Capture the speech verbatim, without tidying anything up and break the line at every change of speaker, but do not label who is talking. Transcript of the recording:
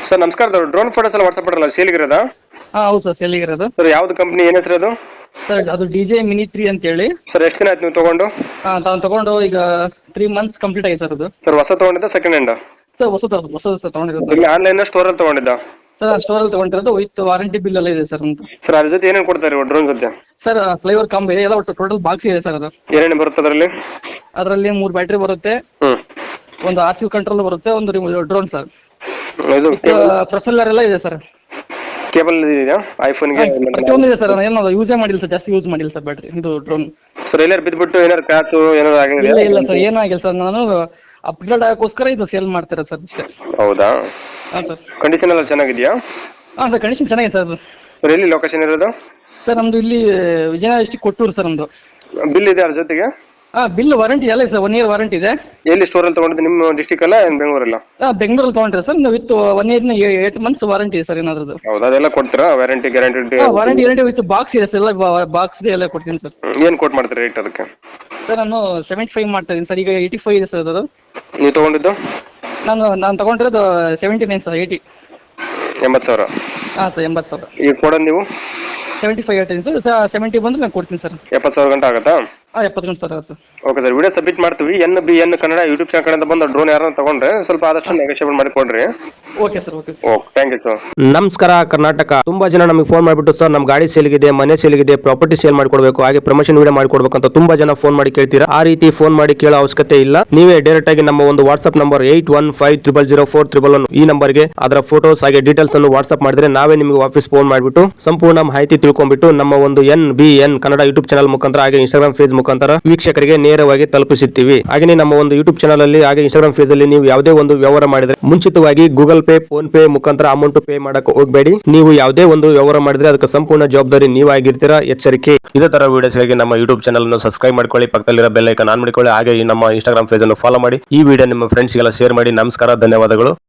Sir ನಮಸ್ಕಾರ, drone photos ಎಲ್ಲ WhatsApp ಮಾಡಲ್ಲ ಸೇಲಿಗಿರೋದಾ?
ಹಾ ಹೌದು ಸರ್, ಸೇಲಿಗಿರೋದು.
ಸರ್ ಯಾವ್ದು ಕಂಪ್ನಿ, ಏನ್ ಹೆಸರು ಅದು?
ಸರ್ ಅದು ಡಿ ಜೆ ಮಿನಿ ತ್ರೀ ಅಂತ ಹೇಳಿ.
ಸರ್ ಎಷ್ಟು ದಿನ ಆಯ್ತು ನೀವು ತಗೊಂಡು?
ಹಾ ತಾವು ತಗೊಂಡು ಈಗ ತ್ರೀ ಮಂತ್ಸ್ ಕಂಪ್ಲೀಟ್ ಆಗಿದೆ ಸರ್ ಅದು.
ಸರ್ ಹೊಸ ತಗೊಂಡಿದ್ದ ಸೆಕೆಂಡ್ ಹ್ಯಾಂಡ್?
ಸರ್ ಹೊಸದು ಹೊಸದು ಸರ್ ತಗೊಂಡಿರೋದು.
ಇಲ್ಲಿ ಆನ್ಲೈನ್ ಸ್ಟೋರ್ ಅಲ್ಲಿ ತಗೊಂಡಿದ್ದ?
ಸರ್ ಸ್ಟೋರ್ ಅಲ್ಲಿ ತಗೊಂಡಿರೋದು, ವಿತ್ ವಾರಂಟಿ ಬಿಲ್ ಎಲ್ಲ ಇದೆ ಸರ್ ಅಂತ.
ಸರ್ ಅದ್ರ ಜೊತೆ ಏನೇನು ಕೊಡ್ತಾರೆ ಡ್ರೋನ್ ಜೊತೆ?
ಸರ್ ಫ್ಲೇವರ್ ಕಾಂಬೋ ಇದೆ, ಎಲ್ಲ ಒಟ್ಟು ಟೋಟಲ್ ಬಾಕ್ಸ್ ಇದೆ ಸರ್ ಅದು.
ಏನೇನು ಬರುತ್ತೆ ಅದರಲ್ಲಿ?
ಅದರಲ್ಲಿ ಮೂರು ಬ್ಯಾಟ್ರಿ ಬರುತ್ತೆ,
ಹ್ಮ್
ಒಂದು ಆರ್ ಸಿ ಕಂಟ್ರೋಲ್ ಬರುತ್ತೆ, ಒಂದು ಡ್ರೋನ್ ಸರ್.
ಇದು
ಪ್ರೊಫೈಲರ್ ಎಲ್ಲ ಇದೆ ಸರ್.
ಕೇಬಲ್ ಇದೆಯಾ ಐಫೋನ್ಗೆ?
ಪ್ರತಿಯೊಂದು ಇದೆ ಸರ್, ಏನೋ ಯೂಸೇ ಮಾಡಿಲ್ಲ ಸರ್, ಜಾಸ್ತಿ ಯೂಸ್ ಮಾಡಿಲ್ಲ ಸರ್ ಬ್ಯಾಟ್ರಿ ಇದು ಡ್ರೋನ್.
ಸರ್ ಎಲ್ಲಾರು ಬಿದ್ದುಬಿಟ್ಟು ಏನಾರು ಕ್ಯಾಚು ಏನಾರು ಆಗಿದೆ?
ಇಲ್ಲ ಇಲ್ಲ ಸರ್, ಏನೂ ಆಗಿಲ್ಲ ಸರ್. ನಾನು ಅಪ್ಗ್ರೇಡ್ ಆಗೋಸ್ಕರ ಇದು ಸೇಲ್ ಮಾಡ್ತಾರೆ ಸರ್ ಇಷ್ಟೇ.
ಹೌದಾ?
ಹಾಂ ಸರ್.
ಕಂಡೀಷನ್ ಎಲ್ಲ ಚೆನ್ನಾಗಿದೆಯಾ?
ಹಾಂ ಸರ್, ಕಂಡೀಷನ್ ಚೆನ್ನಾಗಿದೆ ಸರ್.
ಸರ್ ಎಲ್ಲಿ ಲೊಕೇಶನ್ ಇರೋದು?
ಸರ್ ನಮ್ದು ಇಲ್ಲಿ ವಿಜಯನಗರ ಡಿಸ್ಟಿಕ್ ಕೊಟ್ಟೂರು ಸರ್ ನಮ್ದು.
ಬಿಲ್ ಇದೆ ಅದ್ರ ಜೊತೆಗೆ?
ಹಾಂ ಬಿಲ್ ವಾರಂಟಿ ಎಲ್ಲ ಇದೆ ಸರ್, ಒನ್ ಇಯರ್ ವಾರಂಟಿ ಇದೆ.
ಎಲ್ಲಿ ಸ್ಟೋರಲ್ಲಿ ತಗೊಂಡಿದ್ದು, ನಿಮ್ಮ ಡಿಸ್ಟಿಕ್ ಅಲ್ಲ ಏನು ಬೆಂಗಳೂರಲ್ಲ?
ಹಾಂ ಬೆಂಗಳೂರಲ್ಲಿ ತೊಗೊಂಡ್ರೆ ಸರ್, ವಿತ್ ಒನ್ ಇಯರ್ನ ಏಟ್ ಮಂತ್ಸ್ ವಾರಂಟಿ ಇದೆ ಸರ್ ಏನಾದ್ರದ್ದು.
ಹೌದಾ? ಅದೆಲ್ಲ ಕೊಡ್ತೀರಾ ವಾರಂಟಿ ಗ್ಯಾರಂಟಿ?
ಹಾಂ ವಾರಂಟಿ ಗ್ಯಾರಂಟಿ ವಿತ್ ಬಾಕ್ಸ್ ಇದೆ ಸರ್, ಎಲ್ಲ ಬಾಕ್ಸ್ ಎಲ್ಲ ಕೊಡ್ತೀನಿ ಸರ್.
ಏನು ಕೊಟ್ಟು ಮಾಡ್ತೀರಾ ರೇಟ್ ಅದಕ್ಕೆ?
ಸರ್ ನಾನು ಸೆವೆಂಟಿ ಫೈವ್ ಮಾಡ್ತಾ ಇದ್ದೀನಿ ಸರ್, ಈಗ ಏಯ್ಟಿ ಫೈವ್ ಇದೆ ಸರ್ ಅದು.
ನೀವು ತಗೊಂಡಿದ್ದು?
ನಾನು ನಾನು ತಗೊಂಡಿರೋದು ಸೆವೆಂಟಿ ನೈನ್ ಸರ್, ಏಯ್ಟಿ
ಎಂಬತ್ತು ಸಾವಿರ.
ಹಾಂ ಸರ್, ಎಂಬತ್ತು ಸಾವಿರ.
ಈಗ ಕೊಡೋದು ನೀವು
ಸೆವೆಂಟಿ ಫೈವ್ ಹೇಳ್ತೀನಿ ಸರ್, ಸೆವೆಂಟಿ ಬಂದ್ರೆ ನಾನು ಕೊಡ್ತೀನಿ ಸರ್.
ಎಪ್ಪತ್ತು ಸಾವಿರ ಗಂಟೆ ಆಗುತ್ತಾ?
ಹಾಂ ಎಪ್ಪತ್ತು ಗಂಟೆ ಸರ್ ಆಗುತ್ತೆ sir.
Okay sir, video submit ಮಾಡ್ತೀವಿ. N B N Kannada YouTube channel ಕಡೆಯಿಂದ ಬಂದು ಡ್ರೋನ್ ಯಾರನ್ನ ತಗೊಂಡ್ರೆ ಸ್ವಲ್ಪ ಆದಷ್ಟು ನೆಗೋಷಿಯೇಟ್ ಮಾಡಿ ಕೊಡ್ರಿ.
Okay sir, okay sir.
Okay, thank you sir.
ನಮಸ್ಕಾರ ಕರ್ನಾಟಕ. ತುಂಬಾ ಜನ ನಮಗೆ ಫೋನ್ ಮಾಡಿಬಿಟ್ಟು ಸರ್ ನಮ್ಮ ಗಾಡಿ ಸೇಲ್ಗಿದೆ, ಮನೆ ಸೇಲ್ಗಿದೆ, ಪ್ರಾಪರ್ಟಿ ಸೇಲ್ ಮಾಡಿಕೊಡ್ಬೇಕು, ಹಾಗೆ ಪ್ರಮೋಷನ್ ವಿಡಿಯೋ ಮಾಡಿಕೊಡ್ಬೇಕು ಅಂತ ತುಂಬಾ ಜನ ಫೋನ್ ಮಾಡಿ ಕೇಳ್ತೀರಾ. ಆ ರೀತಿ ಫೋನ್ ಮಾಡಿ ಕೇಳೋ ಅವಶ್ಯಕತೆ ಇಲ್ಲ. ನೀವೇ ಡೈರೆಕ್ಟ್ ಆಗಿ ನಮ್ಮ ಒಂದು WhatsApp number eight one five triple zero four triple one ಈ ನಂಬರ್ಗೆ ಅದರ ಫೋಟೋಸ್ ಹಾಗೆ ಡೀಟೇಲ್ಸ್ ಅನ್ನು ವಾಟ್ಸ್ಆಪ್ ಮಾಡಿದ್ರೆ ನಾವೇ ನಿಮಗೆ ವಾಪಸ್ ಫೋನ್ ಮಾಡಿಬಿಟ್ಟು ಸಂಪೂರ್ಣ ಮಾಹಿತಿ ತಿಳ್ಕೊಂಡ್ಬಿಟ್ಟು ನಮ್ಮ ಒಂದು N B N Kannada YouTube channel ಮುಖಾಂತರ ಹಾಗೆ ಇನ್ಸ್ಟಾಗ್ರಾಮ್ ಪೇಜ್ ಮುಖಾಂತರ ವೀಕ್ಷಕರಿಗೆ ನೇರವಾಗಿ ತಲುಪಿಸುತ್ತೀವಿ. ಹಾಗೆ ನಮ್ಮ ಒಂದು ಯೂಟ್ಯೂಬ್ ಚಾನಲ್ ಅಲ್ಲಿ ಹಾಗೆ ಇನ್ಸ್ಟಾಗ್ರಾಮ್ ಪೇಜ್ ಅಲ್ಲಿ ನೀವು ಯಾವುದೇ ಒಂದು ವ್ಯವಹಾರ ಮಾಡಿದ್ರೆ ಮುಂಚಿತವಾಗಿ ಗೂಗಲ್ ಪೇ, ಫೋನ್ ಪೇ ಮುಖಾಂತರ ಅಮೌಂಟ್ ಪೇ ಮಾಡಕ್ಕೆ ಹೋಗಬೇಡಿ. ನೀವು ಯಾವುದೇ ಒಂದು ವ್ಯವಹಾರ ಮಾಡಿದ್ರೆ ಅದಕ್ಕೆ ಸಂಪೂರ್ಣ ಜವಾಬ್ದಾರಿ ನೀವಾಗಿರ್ತೀರಾ, ಎಚ್ಚರಿಕೆ. ಇದೇ ತರ ವಿಡಿಯೋಸ್ಗಾಗಿ ನಮ್ಮ ಯೂಟ್ಯೂಬ್ ಚಾನಲ್ ಅನ್ನು ಸಬ್ಸ್ಕ್ರೈಬ್ ಮಾಡ್ಕೊಳ್ಳಿ, ಪಕ್ಕದಲ್ಲಿರೋ ಬೆಲ್ ಐಕಾನ್ ಆನ್ ಮಾಡಿಕೊಳ್ಳಿ, ಹಾಗೆ ನಮ್ಮ ಇನ್ಸ್ಟಾಗ್ರಾಮ್ ಪೇಜ್ ಅನ್ನು ಫಾಲೋ ಮಾಡಿ. ಈ ವಿಡಿಯೋ ನಿಮ್ಮ ಫ್ರೆಂಡ್ಸ್ಗೆಲ್ಲ ಶೇರ್ ಮಾಡಿ. ನಮಸ್ಕಾರ, ಧನ್ಯವಾದಗಳು.